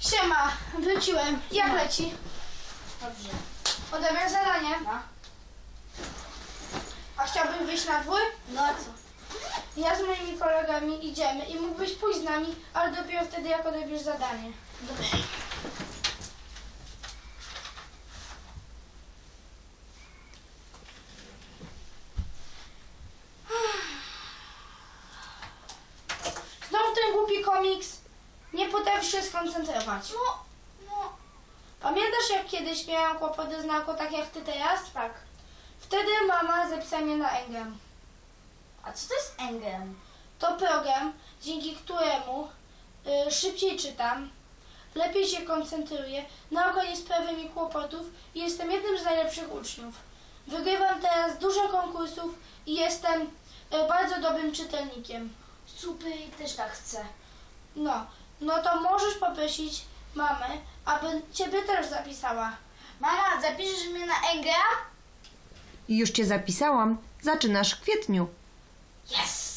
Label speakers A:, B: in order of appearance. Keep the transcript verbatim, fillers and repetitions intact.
A: Siema, wróciłem. Jak leci?
B: Dobrze.
A: Odebrać zadanie?
B: No.
A: A chciałbyś wyjść na dwór?
B: No a co?
A: Ja z moimi kolegami idziemy i mógłbyś pójść z nami, ale dopiero wtedy, jak odebierz zadanie.
B: Dobrze.
A: Znowu ten głupi komiks. Nie potrafisz się skoncentrować.
B: No, no.
A: Pamiętasz, jak kiedyś miałam kłopoty z nauką, tak jak ty teraz?
B: Tak.
A: Wtedy mama zapisała mnie na Engem.
B: A co to jest Engem?
A: To program, dzięki któremu y, szybciej czytam, lepiej się koncentruję, nauka nie sprawia mi kłopotów i jestem jednym z najlepszych uczniów. Wygrywam teraz dużo konkursów i jestem y, bardzo dobrym czytelnikiem.
B: Super, też tak chcę.
A: No, no to możesz poprosić mamę, aby ciebie też zapisała.
B: Mama, zapiszesz mnie na Engea?
C: Już cię zapisałam. Zaczynasz w kwietniu.
B: Yes!